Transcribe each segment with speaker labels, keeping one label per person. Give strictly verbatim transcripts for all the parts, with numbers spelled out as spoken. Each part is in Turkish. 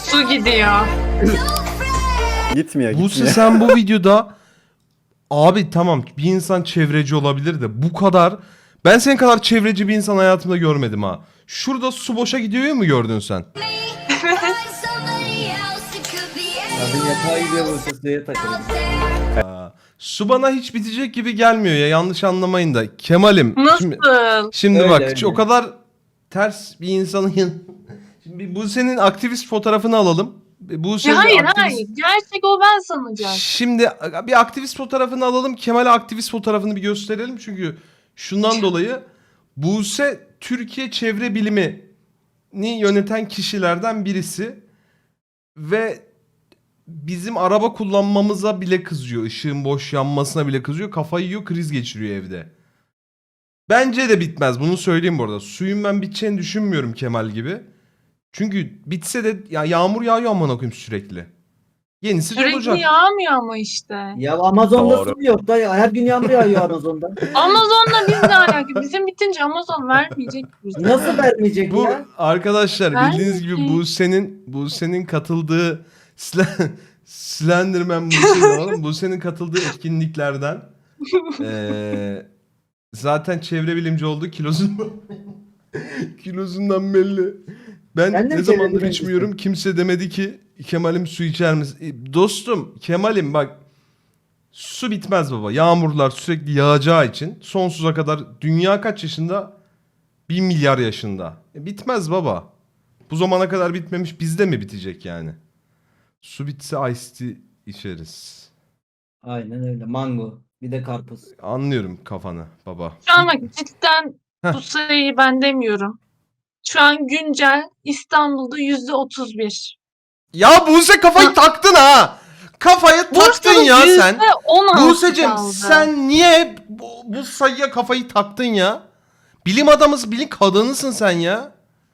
Speaker 1: Su gidiyor.
Speaker 2: Gitmiyor
Speaker 3: Buse
Speaker 2: gitmiyor.
Speaker 3: sen bu videoda abi tamam bir insan çevreci olabilir de bu kadar ben senin kadar çevreci bir insan hayatımda görmedim ha. Şurada su boşa gidiyor mu gördün sen?
Speaker 4: Abi yatağa gidiyor bu suya takılıyor.
Speaker 3: Aa, su bana hiç bitecek gibi gelmiyor ya yanlış anlamayın da. Kemal'im.
Speaker 1: Nasıl?
Speaker 3: Şimdi, şimdi
Speaker 4: Öyle,
Speaker 3: bak
Speaker 4: öyle.
Speaker 3: o kadar ters bir insanın yan- Şimdi bu senin aktivist fotoğrafını alalım. Bu senin
Speaker 1: Ya hayır
Speaker 3: aktivist...
Speaker 1: hayır. Gerçek o ben sanacağım.
Speaker 3: Şimdi bir aktivist fotoğrafını alalım. Kemal'e aktivist fotoğrafını bir gösterelim. Çünkü şundan dolayı Buse Türkiye Çevre Bilimi'ni yöneten kişilerden birisi. Ve bizim araba kullanmamıza bile kızıyor. Işığın boş yanmasına bile kızıyor. Kafayı yiyor, kriz geçiriyor evde. Bence de bitmez. Bunu söyleyeyim bu arada. Suyun ben biteceğini düşünmüyorum Kemal gibi. Çünkü bitse de ya yağmur yağıyor amına koyayım sürekli. Yenisi de olacak.
Speaker 1: Sürekli yağmıyor ama işte.
Speaker 4: Ya Amazon'da
Speaker 2: Doğru.
Speaker 4: su mu yok da ya, her gün yağmur yağıyor Amazon'da.
Speaker 1: Amazon'la biz ne alaka? Bizim bitince Amazon vermeyecek bize.
Speaker 4: Nasıl vermeyecek
Speaker 3: Bu
Speaker 4: ya?
Speaker 3: arkadaşlar
Speaker 1: Ben
Speaker 3: bildiğiniz gibi
Speaker 1: mi?
Speaker 3: Buse'nin Buse'nin katıldığı Slen- Slenderman Buse oğlum. Buse'nin katıldığı etkinliklerden eee, zaten çevre bilimci oldu kilosundan kilosundan belli. Ben,
Speaker 4: Ben de
Speaker 3: ne
Speaker 4: mi
Speaker 3: zamandır
Speaker 4: çevre
Speaker 3: içmiyorum. Kimse demedi ki Kemal'im su içer misin? E, Dostum Kemal'im bak su bitmez baba. Yağmurlar sürekli yağacağı için sonsuza kadar dünya kaç yaşında? Bir milyar yaşında. E, bitmez baba. Bu zamana kadar bitmemiş bizde mi bitecek yani? Su bitse iced tea içeriz.
Speaker 4: Aynen öyle. Mango. Bir de karpuz.
Speaker 3: Anlıyorum kafanı baba.
Speaker 1: Şu an bak cidden
Speaker 3: Heh.
Speaker 1: bu sayıyı ben demiyorum. Şu an güncel İstanbul'da yüzde otuz bir.
Speaker 3: Ya Buse kafayı
Speaker 1: Ha.
Speaker 3: taktın ha. Kafayı taktın
Speaker 1: Bursa'da
Speaker 3: ya sen.
Speaker 1: yüzde on altı
Speaker 3: Buse'cim
Speaker 1: kaldı.
Speaker 3: sen niye bu, bu sayıya kafayı taktın ya? Bilim adamısın, bilim kadınısın sen ya.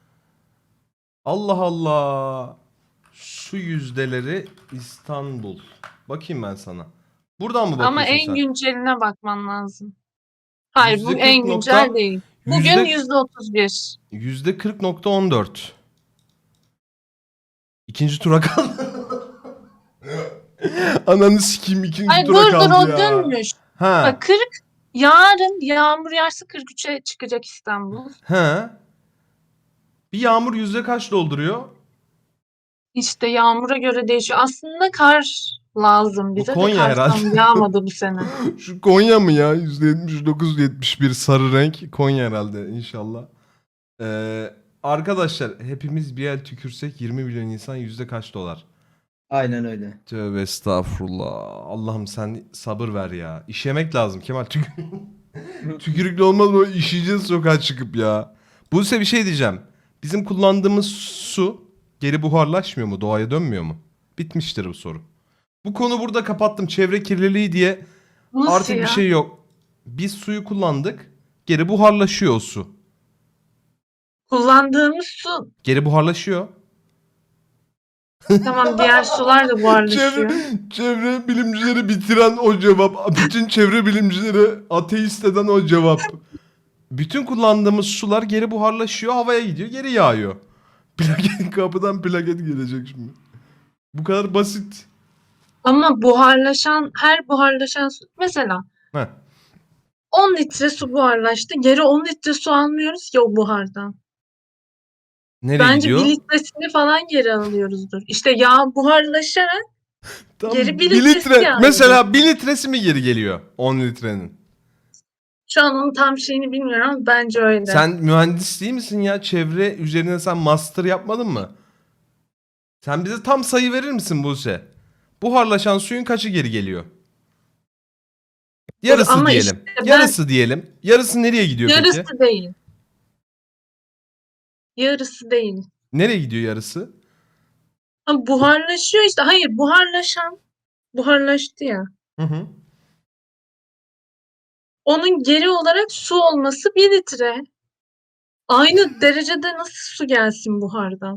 Speaker 3: Allah Allah. Su yüzdeleri İstanbul. Bakayım ben sana. Buradan mı bakıyorsun
Speaker 1: Ama en
Speaker 3: sen?
Speaker 1: günceline bakman lazım. Hayır bu
Speaker 3: Yüzde
Speaker 1: en
Speaker 3: kırk
Speaker 1: güncel
Speaker 3: nokta-
Speaker 1: değil. Bugün
Speaker 3: yüzde-
Speaker 1: yüzde otuz bir.
Speaker 3: yüzde kırk nokta on dört. İkinci tura kaldı. Ananı sikeyim ikinci
Speaker 1: Ay
Speaker 3: tura
Speaker 1: dur dur
Speaker 3: kaldı
Speaker 1: o
Speaker 3: ya.
Speaker 1: dönmüş.
Speaker 3: Ha.
Speaker 1: Bak kırk yarın yağmur yağarsa kırk üçe çıkacak İstanbul.
Speaker 3: Ha. Bir yağmur yüzde kaç dolduruyor?
Speaker 1: İşte yağmura göre değişiyor. Aslında kar lazım bize de
Speaker 3: Konya
Speaker 1: kar
Speaker 3: herhalde.
Speaker 1: tam yağmadı bu sene.
Speaker 3: Şu Konya mı ya? yüzde yetmiş dokuz yetmiş bir sarı renk. Konya herhalde inşallah. Ee, arkadaşlar hepimiz bir el tükürsek yirmi milyon insan yüzde kaç dolar?
Speaker 4: Aynen öyle.
Speaker 3: Tövbe estağfurullah. Allah'ım sen sabır ver ya. İşemek lazım Kemal. Tük Tükürüklü olmaz mı? İşeyeceğiz sokağa çıkıp ya. Buse bir şey diyeceğim. Bizim kullandığımız su geri buharlaşmıyor mu? Doğaya dönmüyor mu? Bitmiştir bu soru. Bu konu burada kapattım. Çevre kirliliği diye
Speaker 1: Nasıl
Speaker 3: artık
Speaker 1: ya?
Speaker 3: bir şey yok. Biz suyu kullandık. Geri buharlaşıyor o su.
Speaker 1: Kullandığımız su
Speaker 3: Geri buharlaşıyor.
Speaker 1: tamam diğer sular da buharlaşıyor.
Speaker 3: Çevre, çevre bilimcileri bitiren o cevap. Bütün çevre bilimcileri ateist eden o cevap. Bütün kullandığımız sular geri buharlaşıyor. Havaya gidiyor. Geri yağıyor. Plaket, kapıdan plaket gelecek şimdi. Bu kadar basit.
Speaker 1: Ama buharlaşan her buharlaşan su mesela
Speaker 3: Heh.
Speaker 1: on litre su buharlaştı. Geri on litre su almıyoruz ya o buhardan.
Speaker 3: Nereye
Speaker 1: Bence
Speaker 3: gidiyor?
Speaker 1: bir litresini falan geri alıyoruzdur. İşte yağ buharlaşarak
Speaker 3: Tam
Speaker 1: geri bir
Speaker 3: bir
Speaker 1: litresi
Speaker 3: litre.
Speaker 1: yani.
Speaker 3: Mesela bir litresi mi geri geliyor? on litrenin.
Speaker 1: şu an onun tam şeyini bilmiyorum ama bence öyle.
Speaker 3: Sen mühendis değil misin ya? Çevre üzerine sen master yapmadın mı? Sen bize tam sayı verir misin Buse? Buharlaşan suyun kaçı geri geliyor? Yarısı
Speaker 1: Ama
Speaker 3: diyelim.
Speaker 1: işte ben-
Speaker 3: Yarısı diyelim. Yarısı nereye gidiyor
Speaker 1: Yarısı
Speaker 3: peki?
Speaker 1: değil. Yarısı değil.
Speaker 3: Nereye gidiyor yarısı?
Speaker 1: Ama buharlaşıyor işte. Hayır buharlaşan buharlaştı ya.
Speaker 3: Hı hı.
Speaker 1: Onun geri olarak su olması bir litre. Aynı derecede nasıl su gelsin buhardan?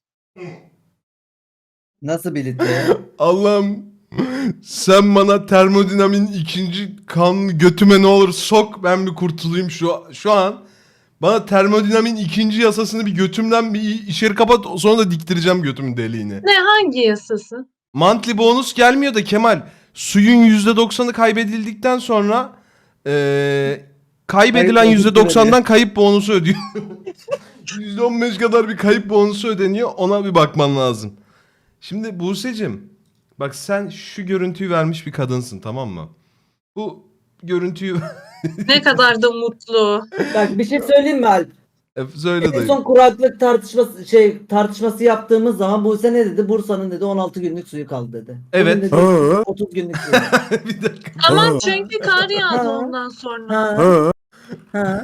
Speaker 4: Nasıl bir litre ya?
Speaker 3: Allah'ım sen bana termodinamin ikinci kanunu götüme ne olur sok ben bir kurtulayım şu şu an. Bana termodinamiğin ikinci yasasını bir götümden bir içeri kapat, sonra da diktireceğim götümün deliğini.
Speaker 1: Ne, hangi yasası?
Speaker 3: Monthly bonus gelmiyor da Kemal, suyun yüzde doksanı kaybedildikten sonra eee kaybedilen
Speaker 4: Kayıp
Speaker 3: yüzde
Speaker 4: bonusu
Speaker 3: doksandan kayıp bonusu ödüyor. yüzde on beş kadar bir kayıp bonusu ödeniyor, ona bir bakman lazım. Şimdi Buse'cim, bak sen şu görüntüyü vermiş bir kadınsın, tamam mı? Bu görüntüyü
Speaker 1: Ne kadar da mutlu.
Speaker 4: Bak bir şey söyleyeyim mi Alp?
Speaker 3: E, söyle
Speaker 4: En
Speaker 3: dayı.
Speaker 4: son kuraklık tartışması şey tartışması yaptığımız zaman Buse ne dedi? Bursa'nın dedi on altı günlük suyu kaldı dedi.
Speaker 3: Evet.
Speaker 4: Bugün dedi,
Speaker 2: Hı.
Speaker 4: otuz günlük suyu.
Speaker 3: Bir dakika.
Speaker 1: Ama çünkü kar yağdı
Speaker 4: Ha.
Speaker 1: ondan sonra.
Speaker 4: Ha,
Speaker 2: Hı.
Speaker 4: ha.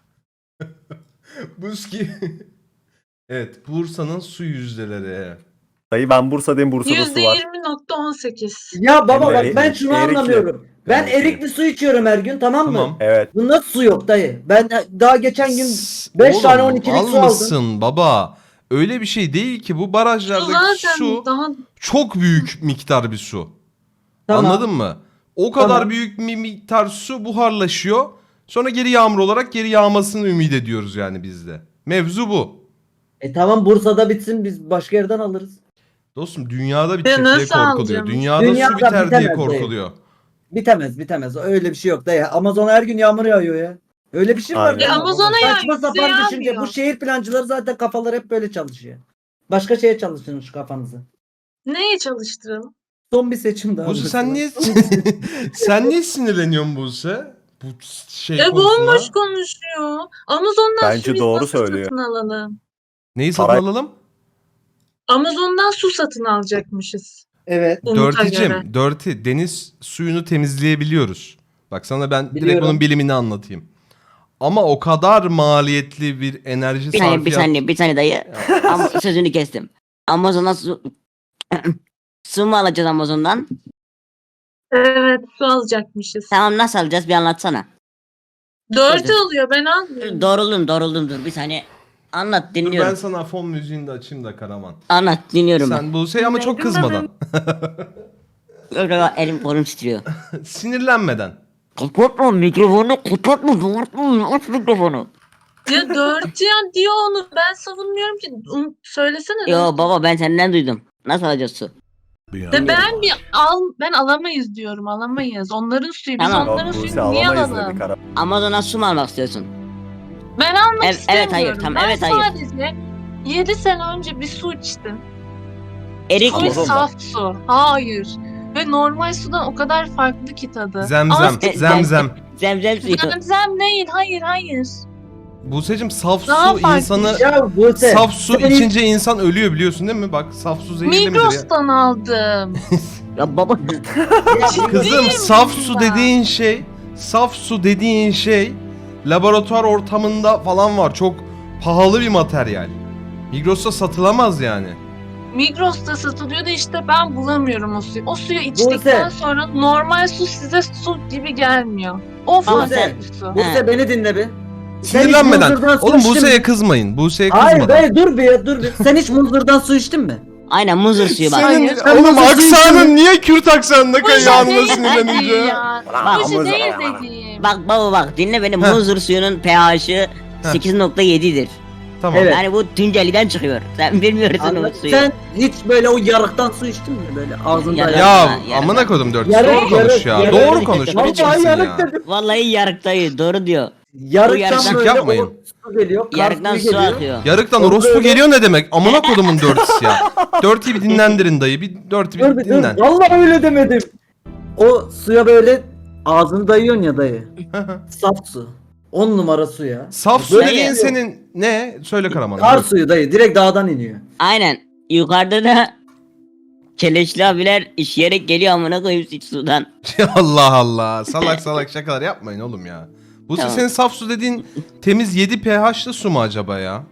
Speaker 3: Buski. Evet, Bursa'nın su yüzdeleri.
Speaker 2: Dayı ben Bursa'dayım, Bursa'da
Speaker 1: Yüzde
Speaker 2: su var.
Speaker 1: yirmi nokta on sekiz.
Speaker 4: Ya baba bak
Speaker 2: Erikli.
Speaker 4: ben şunu
Speaker 2: Erikli.
Speaker 4: anlamıyorum. Ben
Speaker 2: Erikli.
Speaker 4: erikli su içiyorum her gün, tamam mı?
Speaker 3: Tamam.
Speaker 2: Evet.
Speaker 4: Bu nasıl su yok dayı? Ben daha geçen gün
Speaker 3: S-
Speaker 4: beş
Speaker 3: Oğlum,
Speaker 4: tane on ikilik su aldım.
Speaker 3: almışsın baba. Öyle bir şey değil ki, bu
Speaker 1: Su
Speaker 3: barajlardaki
Speaker 1: zaten
Speaker 3: su
Speaker 1: daha
Speaker 3: çok büyük miktar bir su.
Speaker 4: Tamam.
Speaker 3: Anladın mı? O kadar
Speaker 4: Tamam.
Speaker 3: büyük bir miktar su buharlaşıyor. Sonra geri yağmur olarak geri yağmasını ümit ediyoruz yani biz de. Mevzu bu.
Speaker 4: E tamam Bursa'da bitsin, biz başka yerden alırız.
Speaker 3: Dostum, dünyada
Speaker 1: Ya
Speaker 3: bitecek diye
Speaker 1: nasıl
Speaker 3: korkuluyor.
Speaker 1: alacağım?
Speaker 3: Dünyada,
Speaker 4: Dünyada
Speaker 3: su biter diye
Speaker 4: bitemez dayı.
Speaker 3: korkuluyor.
Speaker 4: Bitemez bitemez. Öyle bir şey yok dayı. Amazon'a her gün yağmur yağıyor ya. Öyle bir şey var.
Speaker 2: Aynen.
Speaker 4: ya.
Speaker 1: Ya Amazon'a yağıyor,
Speaker 4: Saçma
Speaker 1: bize
Speaker 4: sapan düşünce.
Speaker 1: yağmıyor.
Speaker 4: Bu şehir plancıları zaten kafaları hep böyle çalışıyor. Başka şeye çalıştırın şu kafanızı.
Speaker 1: neye çalıştıralım?
Speaker 4: Son bir seçim daha.
Speaker 3: Buse
Speaker 4: mesela.
Speaker 3: sen niye sen niye sinirleniyorsun Buse? Bu şey
Speaker 1: E
Speaker 3: konusuna.
Speaker 1: bomboş konuşuyor. Amazon'dan
Speaker 2: Bence
Speaker 1: su biz
Speaker 2: doğru
Speaker 1: nasıl
Speaker 2: söylüyor.
Speaker 1: satın alalım?
Speaker 3: Neyi satın
Speaker 2: Para-
Speaker 3: alalım?
Speaker 1: Amazon'dan su satın alacakmışız.
Speaker 4: Evet.
Speaker 1: Umut'a göre.
Speaker 3: Dirty'cim, Dirty, deniz suyunu temizleyebiliyoruz. Bak sana ben direkt
Speaker 4: Biliyorum.
Speaker 3: bunun bilimini anlatayım. Ama o kadar maliyetli bir enerji
Speaker 5: Bir saniye, bir
Speaker 3: sarfiyatı.
Speaker 5: saniye, bir saniye dayı. Ama sözünü kestim. Amazon'dan su... su mu alacağız Amazon'dan?
Speaker 1: Evet, su alacakmışız.
Speaker 5: Tamam, nasıl alacağız, bir anlatsana.
Speaker 1: Dört
Speaker 5: Dur.
Speaker 1: alıyor, ben almıyorum.
Speaker 5: Doğruldum, doğruldum, dur bir saniye. Anlat,
Speaker 3: Dur ben
Speaker 5: dinliyorum.
Speaker 3: sana fon müziğini de açayım da Karaman.
Speaker 5: Anlat, dinliyorum ben.
Speaker 3: Sen Buse'yi ama çok kızmadan.
Speaker 5: Öyle elim kolum titriyor.
Speaker 3: Sinirlenmeden.
Speaker 5: Kapatma mikrofonu, kapatma, kapatma, aç mikrofonu.
Speaker 1: Ya dört ya diyor onu. Ben savunmuyorum ki. Um, söylesene.
Speaker 5: Yo
Speaker 1: dört.
Speaker 5: baba, ben senden duydum. Nasıl alacağız su?
Speaker 1: De ben bir al ben alamayız diyorum. Alamayız. Onların suyu. Biz
Speaker 5: Tamam.
Speaker 1: onların
Speaker 2: Yok, Buse
Speaker 1: suyunu niye
Speaker 2: alamayız
Speaker 1: alalım?
Speaker 2: dedik ara.
Speaker 5: Amazon'dan su mu almak istiyorsun?
Speaker 1: Ben almak
Speaker 5: Evet,
Speaker 1: istemiyorum.
Speaker 5: evet, hayır, tamam,
Speaker 1: ben
Speaker 5: evet, hayır.
Speaker 1: sadece yedi sene önce bir su içtim.
Speaker 5: Erik
Speaker 1: Su
Speaker 5: mi?
Speaker 2: Amazon'dan.
Speaker 1: saf su. Hayır. Ve normal sudan o kadar farklı ki tadı.
Speaker 3: Zemzem,
Speaker 1: Ama
Speaker 3: zemzem.
Speaker 5: Zemzem suyu.
Speaker 1: zemzem değil. Hayır, hayır.
Speaker 3: Buse'cim saf
Speaker 1: Daha
Speaker 3: su
Speaker 1: farklı.
Speaker 3: insanı...
Speaker 4: Ya Buse.
Speaker 3: Saf su
Speaker 4: sen-
Speaker 3: içince insan ölüyor, biliyorsun değil mi? Bak saf su zehirli midir ya?
Speaker 1: Migros'tan aldım.
Speaker 5: Ya baba.
Speaker 3: Kızım,
Speaker 1: Ciddiyim
Speaker 3: saf su
Speaker 1: ben.
Speaker 3: dediğin şey, saf su dediğin şey laboratuvar ortamında falan var. Çok pahalı bir materyal. Migros'ta satılamaz yani.
Speaker 1: Migros'ta satılıyor da işte ben bulamıyorum o suyu. O suyu içtikten
Speaker 4: Buse.
Speaker 1: sonra normal su size su gibi gelmiyor. O
Speaker 5: Buse.
Speaker 1: farklı bir su.
Speaker 4: Buse beni dinle bir. Sen hiç
Speaker 3: Sinirlenmeden.
Speaker 4: Muzur'dan su
Speaker 3: Oğlum
Speaker 4: içtin
Speaker 3: Buse'ye
Speaker 4: mi?
Speaker 3: kızmayın. Buse'ye
Speaker 4: Hayır
Speaker 3: kızmadan.
Speaker 4: dayı dur bir ya, dur bir. Sen hiç Muzur'dan su içtin mi?
Speaker 5: Aynen, muzur suyu bak.
Speaker 3: Senin
Speaker 1: Hayır.
Speaker 3: oğlum
Speaker 4: Sen nasıl
Speaker 3: aksanın
Speaker 4: içtin?
Speaker 3: niye Kürt aksanında
Speaker 1: Bu şey
Speaker 3: kayıyor anında
Speaker 1: değil
Speaker 3: sinirlenince?
Speaker 1: dediğim ya.
Speaker 5: Bak,
Speaker 1: Bu şey
Speaker 2: Amazon-
Speaker 1: değil dediğim.
Speaker 5: Bak baba bak, dinle beni.
Speaker 3: Heh.
Speaker 5: Muzur suyunun pH'i sekiz nokta yedidir.
Speaker 3: Tamam.
Speaker 4: Evet.
Speaker 5: Yani bu Tunceli'den çıkıyor. Sen bilmiyorsun o
Speaker 4: Anladın?
Speaker 5: suyu.
Speaker 4: Sen hiç böyle o yarıktan su içtin mi böyle ağzında?
Speaker 5: Yarık.
Speaker 3: Ya
Speaker 5: Yarın-
Speaker 3: amına koydum dört.
Speaker 4: Yarın-
Speaker 3: Doğru konuş ya.
Speaker 4: yarın-
Speaker 3: Doğru
Speaker 5: yarın-
Speaker 3: konuş.
Speaker 5: yarın-
Speaker 3: Ne biçimsin
Speaker 4: Vallahi
Speaker 3: ya?
Speaker 4: yarık dedim.
Speaker 5: Vallahi yarık dayı, doğru diyor.
Speaker 4: Yarıktan
Speaker 5: yarıktan-
Speaker 4: böyle
Speaker 3: yapmayın.
Speaker 4: o su geliyor. kar
Speaker 5: Yarıktan
Speaker 4: suyu
Speaker 5: su
Speaker 4: geliyor.
Speaker 5: akıyor.
Speaker 3: Yarıktan
Speaker 4: Orada
Speaker 3: orospu
Speaker 4: öyle-
Speaker 3: geliyor ne demek? Amına kodumun dörtüsü ya. Dörtüyü bir dinlendirin dayı. Bir dörtü
Speaker 4: Dur
Speaker 3: bir
Speaker 4: bir dur.
Speaker 3: dinlen.
Speaker 4: Vallahi öyle demedim. O suya böyle ağzını dayıyorsun ya dayı. Saf su. On numara su ya.
Speaker 3: Saf su
Speaker 4: Böyle
Speaker 3: dediğin
Speaker 4: yok.
Speaker 3: senin ne? Söyle Karaman.
Speaker 4: Kar suyu dayı. Direkt dağdan iniyor.
Speaker 5: Aynen. Yukarıda da keleşli abiler işeyerek geliyor amına koyayım hiç sudan.
Speaker 3: Allah Allah. Salak salak şakalar yapmayın oğlum ya. Bu
Speaker 5: Tamam.
Speaker 3: senin saf su dediğin temiz yedi pH'lı su mu acaba ya?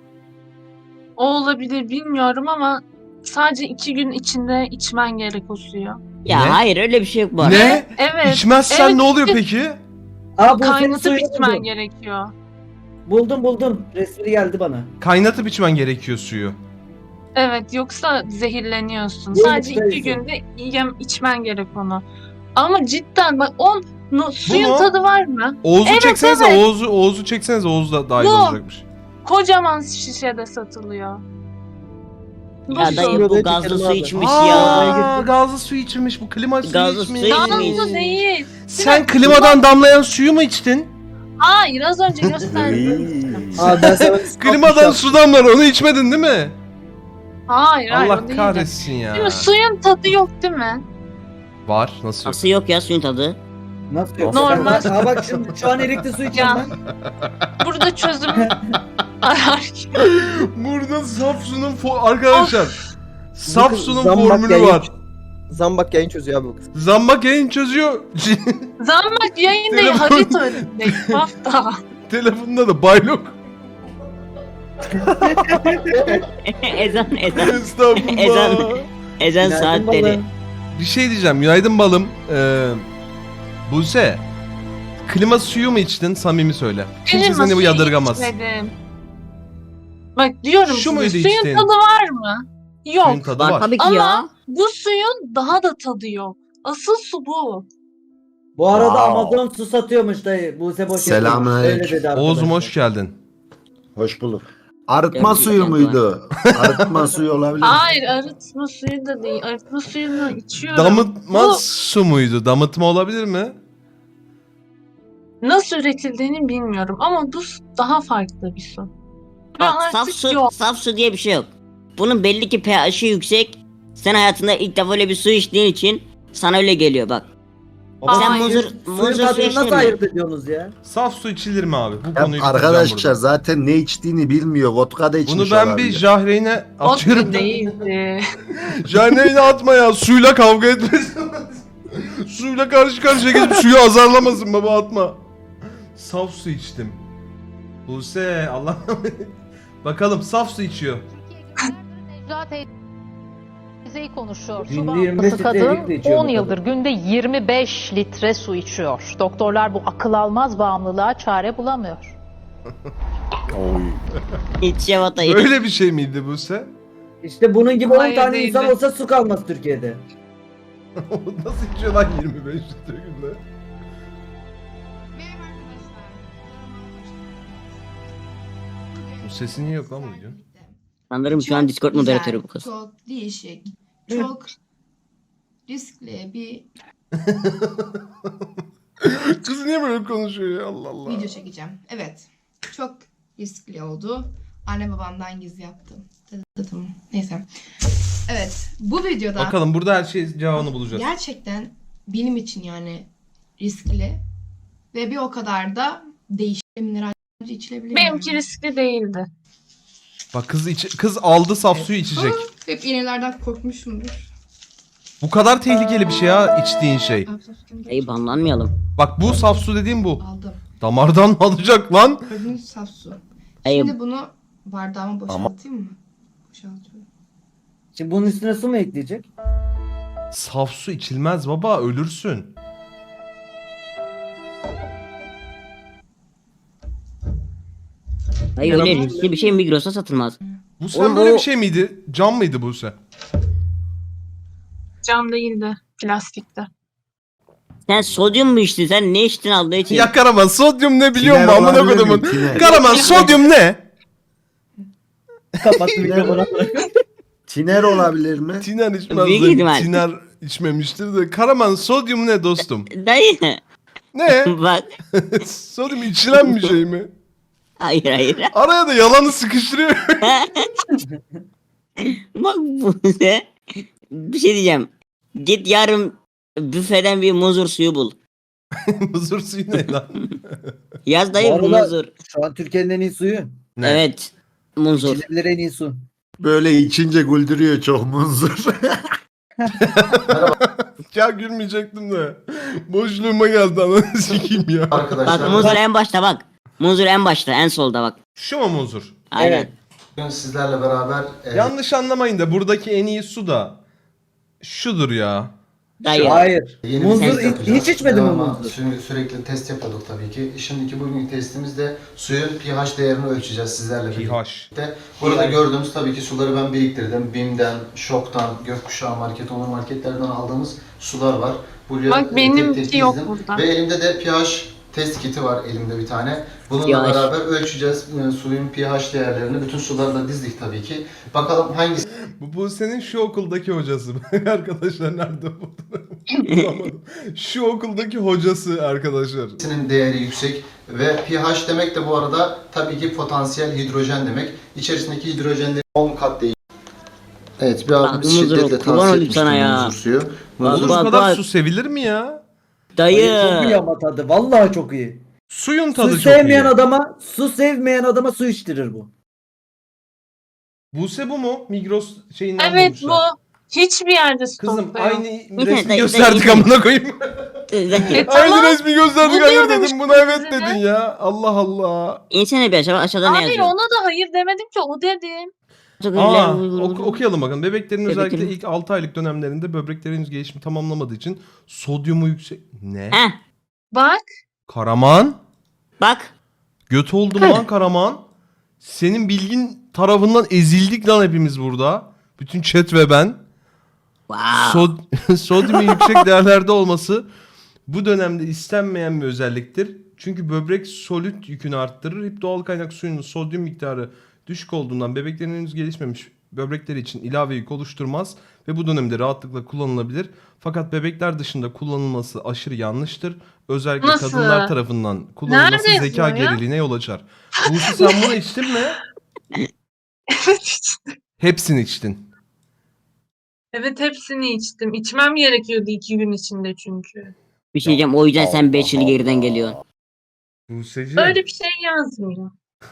Speaker 1: O olabilir bilmiyorum ama sadece iki gün içinde içmen gerek o suyu.
Speaker 5: Ya
Speaker 3: Ne?
Speaker 5: hayır, öyle bir şey yok bu arada.
Speaker 3: Ne?
Speaker 1: Evet.
Speaker 3: İçmezsen
Speaker 1: Evet,
Speaker 3: ne oluyor
Speaker 1: işte
Speaker 3: peki?
Speaker 4: Aa bu senin
Speaker 1: Kaynatıp
Speaker 4: suyunu
Speaker 1: içmen
Speaker 4: buldum.
Speaker 1: gerekiyor.
Speaker 4: Buldum buldum. Resmi geldi bana.
Speaker 3: Kaynatıp içmen gerekiyor suyu.
Speaker 1: Evet, yoksa zehirleniyorsun.
Speaker 4: Yok,
Speaker 1: Sadece iki
Speaker 4: neyse.
Speaker 1: günde yem içmen gerek onu. Ama cidden bak on No, suyun
Speaker 3: mu?
Speaker 1: tadı var mı?
Speaker 3: Oğuz'u
Speaker 1: Evet,
Speaker 3: çeksenize.
Speaker 1: evet.
Speaker 3: Oğuz'u Oğuz'u çeksenize. Oğuz da dahil
Speaker 1: Bu.
Speaker 3: olacakmış.
Speaker 1: Kocaman şişede satılıyor. Bu
Speaker 5: Ya
Speaker 1: su.
Speaker 5: dayı
Speaker 4: Böyle
Speaker 5: bu gazlı
Speaker 4: çekelim
Speaker 5: su
Speaker 4: abi.
Speaker 5: içmiş
Speaker 3: Aa,
Speaker 5: ya.
Speaker 3: gazlı su içmiş. Bu klima suyu
Speaker 5: Gazlı
Speaker 3: içmiş.
Speaker 5: su içmiş.
Speaker 1: Gazlı değil.
Speaker 3: Sen klimadan damlayan suyu mu içtin?
Speaker 1: Hayır, az önce gösterdim.
Speaker 4: Abi ben sana bir
Speaker 3: Klimadan
Speaker 4: saf
Speaker 3: su damlar. Onu içmedin değil mi?
Speaker 1: Hayır, hayır. o
Speaker 3: Allah
Speaker 1: değildi.
Speaker 3: kahretsin ya.
Speaker 1: Değil mi? Suyun tadı yok değil mi?
Speaker 3: Var. Nasıl yok?
Speaker 5: Nasıl yok ya suyun tadı?
Speaker 4: Nasıl yok?
Speaker 1: Normal.
Speaker 4: Sen- Ha bak şimdi şu an erikli su içeceğim
Speaker 1: Ya.
Speaker 4: ben.
Speaker 1: Burada çözüm arar.
Speaker 3: Burada saf sunun fo- arkadaşlar. Saf
Speaker 6: kız
Speaker 3: sunun
Speaker 6: zambak
Speaker 3: formülü
Speaker 6: yayın-
Speaker 3: var.
Speaker 6: Zambak yayın çözüyor abi bu kız.
Speaker 3: Zambak yayın çözüyor.
Speaker 1: Zambak yayın değil,
Speaker 3: Telefon-
Speaker 1: harita önündeyim. Hafta.
Speaker 3: Telefonunda da baylok.
Speaker 5: ezan ezan.
Speaker 3: Estağfurullah.
Speaker 5: Ezan. Ezan
Speaker 4: Günaydın
Speaker 5: saatleri.
Speaker 4: balım.
Speaker 3: Bir şey diyeceğim. Günaydın balım. Ee, Buse. Klima suyu mu içtin? Samimi söyle. Kimse
Speaker 1: Klima
Speaker 3: seni bu
Speaker 1: suyu
Speaker 3: yadırgamaz.
Speaker 1: içmedim. Bak diyorum
Speaker 3: Şu muydu
Speaker 1: size, suyun
Speaker 3: içtiğin?
Speaker 1: tadı var mı? Yok.
Speaker 3: Suyun tadı
Speaker 5: Var
Speaker 3: var.
Speaker 5: tabii ki
Speaker 1: Ama
Speaker 5: ya.
Speaker 1: bu suyun daha da tadı yok. Asıl su bu.
Speaker 4: Bu arada
Speaker 2: Wow.
Speaker 4: Amazon su satıyormuş dayı. Buse boş
Speaker 2: Selamünaleyküm.
Speaker 4: yapıyormuş. Öyle dedi
Speaker 3: Oğuz'um
Speaker 4: arkadaşlar.
Speaker 3: hoş geldin.
Speaker 2: Hoş bulduk. Arıtma
Speaker 5: Yok,
Speaker 2: suyu
Speaker 5: yok,
Speaker 2: muydu? Arıtma suyu olabilir.
Speaker 1: Hayır, arıtma suyu da değil. Arıtma suyunu içiyorum.
Speaker 3: Damıtma
Speaker 1: Bu
Speaker 3: su muydu? Damıtma olabilir mi?
Speaker 1: nasıl üretildiğini bilmiyorum ama bu su daha farklı bir su. Ve
Speaker 5: Bak
Speaker 1: artık
Speaker 5: saf su,
Speaker 1: yok.
Speaker 5: saf su diye bir şey yok. Bunun belli ki pH'i yüksek. Sen hayatında ilk defa öyle bir su içtiğin için sana öyle geliyor bak.
Speaker 4: Baba,
Speaker 5: Sen
Speaker 1: Hayır.
Speaker 5: muzur,
Speaker 4: Suyun
Speaker 5: muzur su
Speaker 4: tadını
Speaker 5: içtin
Speaker 4: nasıl
Speaker 5: mi?
Speaker 4: ayırt ediyorsunuz ya?
Speaker 3: Saf su içilir mi abi? Bu
Speaker 2: Ya
Speaker 3: konuyu
Speaker 2: arkadaşlar
Speaker 3: bitireceğim
Speaker 2: zaten ne içtiğini bilmiyor. Vodka da
Speaker 3: burada.
Speaker 2: içmiş
Speaker 3: Bunu ben
Speaker 2: olabilir.
Speaker 3: bir Jahreyn'e
Speaker 1: O
Speaker 3: atıyorum.
Speaker 1: da değildi.
Speaker 3: Jahreyn'e atma ya. Suyla kavga etmesin. Suyla karşı karşıya geçip suyu azarlamasın baba, atma. Saf su içtim. Buse Allah. Bakalım saf su içiyor.
Speaker 7: Necla teyzeyi konuşuyor. Su
Speaker 4: Günde yirmi beş
Speaker 7: bağımlısı
Speaker 4: litre erik de
Speaker 7: kadın
Speaker 4: içiyor bu
Speaker 7: on yıldır günde yirmi beş litre su içiyor. Doktorlar bu akıl almaz bağımlılığa çare bulamıyor.
Speaker 2: Oy.
Speaker 5: İç şevatayı.
Speaker 3: Öyle bir şey miydi Buse?
Speaker 4: İşte bunun gibi on
Speaker 1: Hayır,
Speaker 4: tane
Speaker 1: değildi.
Speaker 4: insan olsa su kalmaz Türkiye'de.
Speaker 3: Nasıl içiyor lan yirmi beş litre günde? Bu sesi niye yok lan bu videonun?
Speaker 5: Sanırım şu an Discord
Speaker 8: güzel,
Speaker 5: moderatörü bu kız.
Speaker 8: Çok değişik, çok riskli bir
Speaker 3: Kız niye böyle konuşuyor ya, Allah Allah.
Speaker 8: video çekeceğim. Evet, çok riskli oldu. Anne babamdan gizli yaptım. Tıdım. Neyse. Evet, bu videoda
Speaker 3: Bakalım burada her şey cevabını bulacağız.
Speaker 8: gerçekten benim için yani riskli ve bir o kadar da değişik mineral içilebilir.
Speaker 1: Benimki riskli değildi.
Speaker 3: Bak kız iç kız aldı saf suyu içecek.
Speaker 8: Hep iğnelerden korkmuşumdur.
Speaker 3: Bu kadar tehlikeli bir şey ya içtiğin şey.
Speaker 5: Dayı banlanmayalım.
Speaker 3: Bak bu saf su dediğim bu.
Speaker 8: Aldım.
Speaker 3: Damardan mı alacak lan?
Speaker 8: Gördüğünüz saf su.
Speaker 5: Dayı
Speaker 8: Şimdi bunu bardağıma boşaltayım mı? Boşaltıyorum.
Speaker 4: Şimdi bunun üstüne su mu ekleyecek?
Speaker 3: Saf su içilmez baba, ölürsün.
Speaker 5: dayı öyle riskli bir şey Migros'ta satılmaz.
Speaker 3: Bu sen
Speaker 5: Oğlum
Speaker 3: böyle
Speaker 5: o-
Speaker 3: bir şey miydi? Cam mıydı bu sen?
Speaker 1: Cam değildi. Plastikte.
Speaker 5: Sen sodyum mu içtin? Sen ne içtin Allah için?
Speaker 3: Ya Karaman sodyum ne biliyor
Speaker 2: Tiner
Speaker 3: musun amına
Speaker 2: olabilir mi?
Speaker 3: kodumun?
Speaker 2: Tiner.
Speaker 3: Karaman sodyum ne?
Speaker 4: Kapat mikrofonu.
Speaker 2: Tiner olabilir mi?
Speaker 3: Tiner içmez.
Speaker 5: Büyük
Speaker 3: de
Speaker 5: ihtimal.
Speaker 3: Tiner içmemiştir de. Karaman sodyum ne dostum?
Speaker 5: Dayı.
Speaker 3: Ne?
Speaker 5: Bak.
Speaker 3: Sodyum içilen bir şey mi?
Speaker 5: Hayır hayır.
Speaker 3: Araya da yalanı sıkıştırıyor.
Speaker 5: Bak bu ne? Bir şey diyeceğim. Git yarın büfeden bir muzur suyu bul.
Speaker 3: Huzur suyu ne lan?
Speaker 5: Yaz dayı
Speaker 4: Bu arada-
Speaker 5: muzur.
Speaker 4: Şu an Türkiye'nin en iyi suyu.
Speaker 3: Ne?
Speaker 5: Evet. Muzur.
Speaker 4: İçilebilir en iyi su.
Speaker 2: Böyle içince güldürüyor çok munzur.
Speaker 3: Ya gülmeyecektim de. Boşluğuma geldi ananı sikeyim ya.
Speaker 5: Bak muzur en başta bak. Muzur en başta en solda bak.
Speaker 3: Şu mu muzur?
Speaker 5: Aynen.
Speaker 4: Evet.
Speaker 9: Bugün sizlerle beraber e,
Speaker 3: Yanlış anlamayın da buradaki en iyi su da şudur ya.
Speaker 5: Dayı.
Speaker 4: Hayır.
Speaker 9: Yeni
Speaker 4: Munzur
Speaker 9: bir test
Speaker 4: hiç,
Speaker 9: yapacağız.
Speaker 4: hiç içmedin mi
Speaker 9: Devamlı
Speaker 4: munzur?
Speaker 9: sü- Sürekli test yapıyorduk tabii ki. Şimdiki bugünkü testimizde suyun pH değerini ölçeceğiz sizlerle birlikte.
Speaker 3: pH.
Speaker 9: Burada gördüğünüz tabii ki suları ben biriktirdim. BİM'den, Şok'tan, Gökkuşağı Market, Onur Marketlerden aldığımız sular var. Buraya
Speaker 1: Bak
Speaker 9: e,
Speaker 1: benimki
Speaker 9: tek tek
Speaker 1: yok
Speaker 9: dizdim.
Speaker 1: burada.
Speaker 9: Ve elimde de pH test kiti var elimde bir tane. Bununla
Speaker 5: pH.
Speaker 9: beraber ölçeceğiz e, suyun pH değerlerini. Bütün sularla dizdik tabii ki. Bakalım hangisi
Speaker 3: Bu, bu senin şu okuldaki hocası. Arkadaşlar nerede bulamadım. Şu okuldaki hocası arkadaşlar.
Speaker 9: Sinin değeri yüksek ve pH demek de bu arada tabii ki potansiyel hidrojen demek. İçerisindeki hidrojenleri on kat değil. Evet, bir
Speaker 5: Bak,
Speaker 9: abi
Speaker 5: muzur,
Speaker 9: şiddetle
Speaker 5: kurban
Speaker 9: tavsiye
Speaker 5: olayım sana
Speaker 9: etmiştim
Speaker 5: ya.
Speaker 9: muzur suyu.
Speaker 5: Bak,
Speaker 3: Muzur
Speaker 9: Muzur
Speaker 3: bu
Speaker 5: bak,
Speaker 3: kadar
Speaker 5: bak.
Speaker 3: su sevilir mi ya?
Speaker 5: Dayı.
Speaker 4: Hayır, çok iyi ama tadı. Vallahi çok iyi.
Speaker 3: Suyun tadı
Speaker 4: Su
Speaker 3: çok
Speaker 4: sevmeyen
Speaker 3: iyi.
Speaker 4: adama, su sevmeyen adama su içtirir bu.
Speaker 3: Buse bu mu? Migros şeyinden
Speaker 1: Evet
Speaker 3: bulmuşlar.
Speaker 1: bu. Hiçbir yerde
Speaker 3: Kızım
Speaker 1: stokta yok.
Speaker 3: aynı
Speaker 5: Dayı,
Speaker 3: resmi
Speaker 5: dayı,
Speaker 3: gösterdik
Speaker 5: dayı.
Speaker 3: amına koyayım.
Speaker 1: E,
Speaker 3: Aynı
Speaker 1: tamam.
Speaker 3: resmi gösterdik
Speaker 1: Bu
Speaker 3: hayır
Speaker 1: diyorum
Speaker 3: dedim
Speaker 1: işte
Speaker 3: buna evet
Speaker 1: size.
Speaker 3: dedin ya. Allah Allah.
Speaker 5: İnsene bir aşağı aşağıda ne
Speaker 1: Hayır
Speaker 5: yazıyor?
Speaker 1: ona da hayır demedim ki o dedim.
Speaker 3: Aa, ok- okuyalım bakın. Bebeklerin
Speaker 5: Bebeklerin-
Speaker 3: özellikle ilk altı aylık dönemlerinde böbreklerin henüz gelişimi tamamlamadığı için sodyumu yüksek... Ne?
Speaker 5: Heh,
Speaker 1: Bak.
Speaker 3: Karaman?
Speaker 5: bak.
Speaker 3: Göt oldum lan Karaman. Senin bilgin tarafından ezildik lan hepimiz burada. Bütün chat ve ben.
Speaker 5: Wow.
Speaker 3: Sod sodyumun yüksek değerlerde olması bu dönemde istenmeyen bir özelliktir. Çünkü böbrek solüt yükünü arttırır. Hep doğal kaynak suyunun sodyum miktarı düşük olduğundan bebeklerin henüz gelişmemiş böbrekleri için ilave yük oluşturmaz ve bu dönemde rahatlıkla kullanılabilir. Fakat bebekler dışında kullanılması aşırı yanlıştır. Özellikle
Speaker 1: Nasıl?
Speaker 3: kadınlar tarafından kullanılması
Speaker 1: Nerede
Speaker 3: zeka
Speaker 1: yazıyor ya?
Speaker 3: geriliğine yol açar. Buse sen bunu içtin mi?
Speaker 1: Evet içtim.
Speaker 3: Hepsini içtin.
Speaker 1: Evet hepsini içtim. İçmem gerekiyordu iki gün içinde çünkü.
Speaker 5: Bir şey diyeceğim o yüzden sen beş yıl geriden geliyorsun.
Speaker 3: Buse'ciğim.
Speaker 1: Öyle bir şey yazmıyor.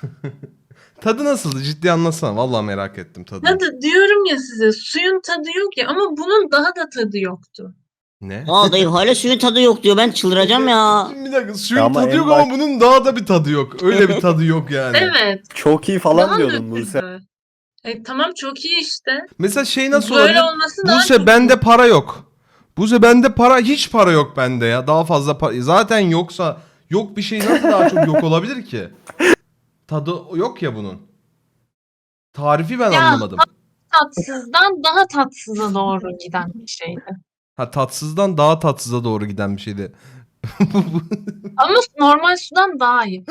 Speaker 3: Tadı nasıldı? Ciddi anlatsana. Vallahi merak ettim tadını.
Speaker 1: Tadı diyorum ya size suyun tadı yok ya ama bunun daha da tadı yoktu.
Speaker 3: Ne?
Speaker 5: Aa dayı hala suyun tadı yok diyor. Ben çıldıracağım ya.
Speaker 3: Şimdi bir dakika suyun
Speaker 2: Ama
Speaker 3: tadı
Speaker 2: en
Speaker 3: yok
Speaker 2: bak-
Speaker 3: ama bunun daha da bir tadı yok. Öyle bir tadı yok yani.
Speaker 1: Evet.
Speaker 2: Çok iyi
Speaker 1: Daha
Speaker 2: falan diyordun Buse.
Speaker 1: nötrdü. E, tamam çok iyi işte.
Speaker 3: Mesela şey nasıl
Speaker 1: Böyle
Speaker 3: olabilir?
Speaker 1: olması daha
Speaker 3: Buse
Speaker 1: çok
Speaker 3: bende
Speaker 1: iyi.
Speaker 3: para yok. Buse bende para hiç para yok bende ya. Daha fazla para. Zaten yoksa yok bir şey nasıl daha çok yok olabilir ki? Tadı yok ya bunun. Tarifi ben
Speaker 1: Ya,
Speaker 3: anlamadım.
Speaker 1: Tatsızdan daha tatsıza doğru giden bir şeydi.
Speaker 3: Ha tatsızdan daha tatsıza doğru giden bir şeydi.
Speaker 1: Ama normal sudan daha iyi.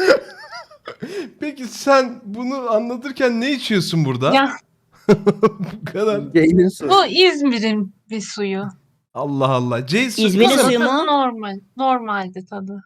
Speaker 3: Peki sen bunu anlatırken ne içiyorsun burada?
Speaker 1: Ya
Speaker 3: Bu kadar.
Speaker 6: Yayının su.
Speaker 1: bu İzmir'in bir suyu.
Speaker 3: Allah Allah. Jason,
Speaker 5: İzmir'in
Speaker 3: kızım,
Speaker 5: suyu mu?
Speaker 1: Tadı normal. Normaldi tadı.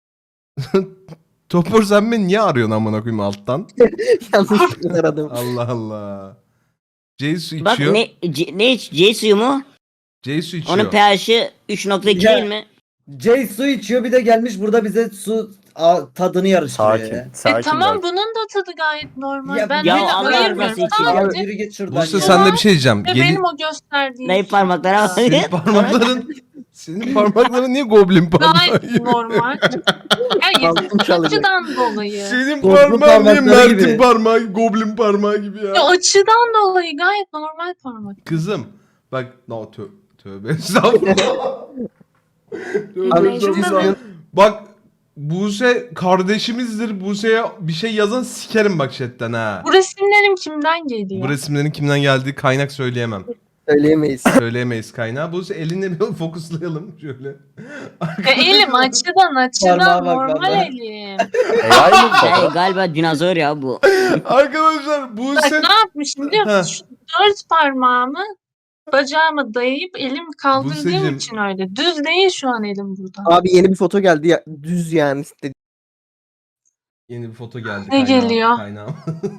Speaker 3: Topur sen beni niye arıyorsun amına koyayım alttan?
Speaker 6: Yanlışlıkla aradım.
Speaker 3: Allah Allah. Jason
Speaker 5: Bak
Speaker 3: içiyor.
Speaker 5: ne C, ne iç? C suyu mu?
Speaker 3: Jason içiyor.
Speaker 5: Onun pH'i üç nokta iki
Speaker 4: Ya.
Speaker 5: değil mi?
Speaker 4: Jay su içiyor bir de gelmiş burada bize su a, tadını yarıştırıyor ya.
Speaker 2: Sakin.
Speaker 1: E tamam bunun da tadı gayet normal.
Speaker 4: Ya-
Speaker 1: ben
Speaker 5: Ya
Speaker 1: öyle
Speaker 5: Allah
Speaker 1: ayırmıyorum.
Speaker 5: rızası için
Speaker 1: Tamam.
Speaker 4: Ya yürü git şuradan
Speaker 3: Buse
Speaker 4: ya.
Speaker 3: sen de bir şey diyeceğim.
Speaker 1: Ve
Speaker 3: Geli-
Speaker 1: benim o gösterdiğim
Speaker 5: Dayı parmaklara bak.
Speaker 3: senin parmakların senin parmakların niye goblin parmağı?
Speaker 1: gayet normal. Yani
Speaker 6: Altın çalacak.
Speaker 1: açıdan dolayı.
Speaker 3: Senin
Speaker 4: Goblin
Speaker 3: parmağın niye
Speaker 4: parmakları
Speaker 3: Mert'in
Speaker 4: gibi.
Speaker 3: parmağı, goblin parmağı gibi ya?
Speaker 1: Ya açıdan dolayı gayet normal parmak.
Speaker 3: Kızım bak no tö tövbe estağfurullah. Tövbe
Speaker 6: Abi,
Speaker 3: estağfurullah. Bak Buse kardeşimizdir. Buse'ye bir şey yazan sikerim bak chatten ha.
Speaker 1: Bu resimlerim kimden geliyor?
Speaker 3: Bu resimlerin kimden geldiği kaynak söyleyemem.
Speaker 6: Söyleyemeyiz.
Speaker 3: Söyleyemeyiz kaynağı. Buse elini bir fokuslayalım şöyle.
Speaker 1: E, elim açıdan açıdan
Speaker 4: Parmağa bak,
Speaker 1: normal
Speaker 4: parmağa.
Speaker 1: elim.
Speaker 5: Dayı galiba dinozor ya bu.
Speaker 3: Arkadaşlar
Speaker 1: Bak
Speaker 3: Buse...
Speaker 1: ne yapmışım biliyor musun? Şu dört parmağımı bacağıma dayayıp elim kaldırdığım
Speaker 3: Buse'cim.
Speaker 1: için öyle. Düz değil şu an elim burada.
Speaker 6: Abi yeni bir foto geldi ya. Düz yani. Dedi.
Speaker 3: Yeni bir foto geldi.
Speaker 1: Ne
Speaker 3: kaynağı-
Speaker 1: geliyor?
Speaker 3: Kaynağım.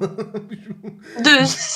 Speaker 1: Düz.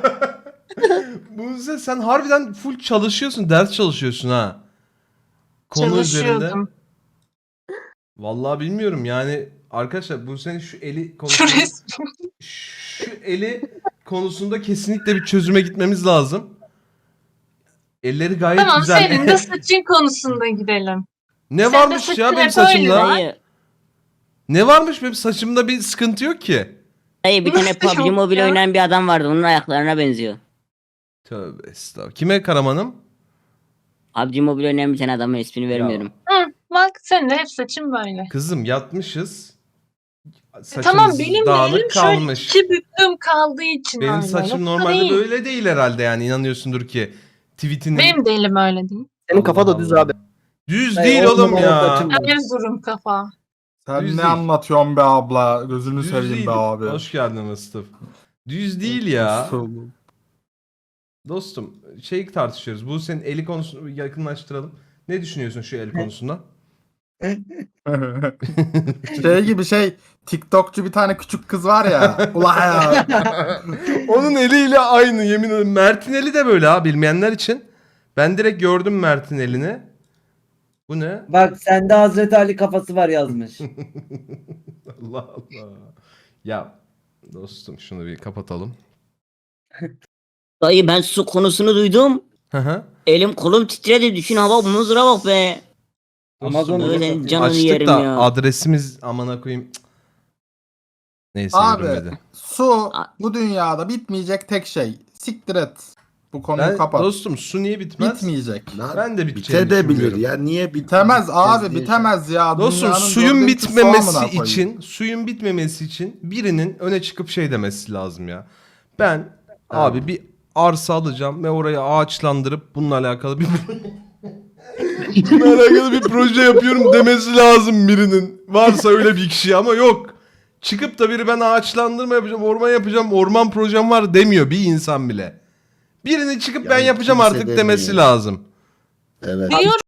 Speaker 3: Buse sen harbiden full çalışıyorsun. Ders çalışıyorsun ha. Konu üzerinde.
Speaker 1: Çalışıyordum.
Speaker 3: Vallahi bilmiyorum yani arkadaşlar bu senin şu eli
Speaker 1: Şu
Speaker 3: konusunda
Speaker 1: resim.
Speaker 3: şu eli konusunda kesinlikle bir çözüme gitmemiz lazım. Elleri gayet
Speaker 1: Tamam
Speaker 3: güzel.
Speaker 1: senin de saçın konusunda gidelim.
Speaker 3: Ne
Speaker 1: Sen de
Speaker 3: varmış
Speaker 1: saçın
Speaker 3: ya benim
Speaker 1: hep öyle
Speaker 3: saçımda?
Speaker 1: var.
Speaker 5: Dayı,
Speaker 3: Ne varmış benim saçımda bir sıkıntı yok ki.
Speaker 5: dayı bir tane
Speaker 1: Nasıl
Speaker 5: P U B G
Speaker 1: yok
Speaker 5: Mobile
Speaker 1: ya?
Speaker 5: oynayan bir adam vardı. Onun ayaklarına benziyor.
Speaker 3: Tövbe estağfurullah. Kime Karaman'ım?
Speaker 5: P U B G Mobile oynayan bir tane adamın ismini vermiyorum.
Speaker 1: Hı, bak senin de hep saçın böyle.
Speaker 3: Kızım yatmışız.
Speaker 1: E,
Speaker 3: Saçımız
Speaker 1: tamam benim de
Speaker 3: dağınık
Speaker 1: elim şöyle
Speaker 3: kalmış.
Speaker 1: iki büklüm kaldığı için
Speaker 3: Benim
Speaker 1: öyle.
Speaker 3: saçım
Speaker 1: Yoksa
Speaker 3: normalde
Speaker 1: değil.
Speaker 3: böyle değil herhalde yani inanıyorsundur ki. Tweetinin
Speaker 1: Benim de elim öyle değil.
Speaker 6: Senin kafa da düz
Speaker 3: Allah.
Speaker 6: abi.
Speaker 3: Düz
Speaker 4: Hayır,
Speaker 3: değil
Speaker 4: on
Speaker 3: oğlum
Speaker 4: numara
Speaker 3: ya.
Speaker 4: saçım var.
Speaker 1: Erzurum kafa.
Speaker 10: Sen
Speaker 3: Düz
Speaker 10: ne
Speaker 3: değil.
Speaker 10: anlatıyorsun be abla? Gözünü
Speaker 3: Düz
Speaker 10: seveyim
Speaker 3: değil.
Speaker 10: be abi.
Speaker 3: Hoş geldin Mustafa. Düz değil ya. Dostum şey tartışıyoruz. Bu senin eli konusunu yakınlaştıralım. Ne düşünüyorsun şu el konusunda?
Speaker 10: Şey gibi şey, TikTokçu bir tane küçük kız var ya. Ula ya.
Speaker 3: Onun eliyle aynı yemin ederim. Mert'in eli de böyle ha bilmeyenler için. Ben direkt gördüm Mert'in elini. Bu ne?
Speaker 4: Bak sende Hazreti Ali kafası var yazmış.
Speaker 3: Allah Allah. Ya dostum şunu bir kapatalım.
Speaker 5: Dayı ben su konusunu duydum.
Speaker 3: Hı hı.
Speaker 5: Elim kolum titredi. Düşün hava mızıra bak be.
Speaker 4: Amazon
Speaker 3: Dostum,
Speaker 5: Böyle
Speaker 4: bunu
Speaker 5: canını
Speaker 3: açtık
Speaker 5: yerim
Speaker 3: da
Speaker 5: ya.
Speaker 3: adresimiz amına koyayım. Cık. Neyse
Speaker 10: Abi
Speaker 3: görünmedi.
Speaker 10: su bu dünyada bitmeyecek tek şey. Siktir et. Bu konuyu
Speaker 3: Ben,
Speaker 10: kapat.
Speaker 3: dostum su niye bitmez?
Speaker 10: Bitmeyecek.
Speaker 2: Lan,
Speaker 3: Ben de biteceğini
Speaker 2: bitebilir
Speaker 3: düşünmüyorum.
Speaker 2: ya niye bitmez?
Speaker 10: Bitemez abi
Speaker 2: Bitmez diye
Speaker 10: bitemez ya.
Speaker 3: Dostum
Speaker 10: Dünyanın
Speaker 3: suyun
Speaker 10: dörtte ikisi su amına
Speaker 3: bitmemesi
Speaker 10: koyayım.
Speaker 3: için, suyun bitmemesi için birinin öne çıkıp şey demesi lazım ya. Ben abi bir arsa alacağım ve orayı ağaçlandırıp bununla alakalı bir bununla alakalı bir proje yapıyorum demesi lazım birinin. Varsa öyle bir kişi ama yok. Çıkıp da biri ben ağaçlandırma yapacağım, orman yapacağım, orman projem var demiyor bir insan bile. Birinin çıkıp ben
Speaker 2: Yani
Speaker 3: yapacağım
Speaker 2: kimse
Speaker 3: artık demesi
Speaker 2: demiyor.
Speaker 3: lazım.
Speaker 2: Evet.
Speaker 1: Diyorum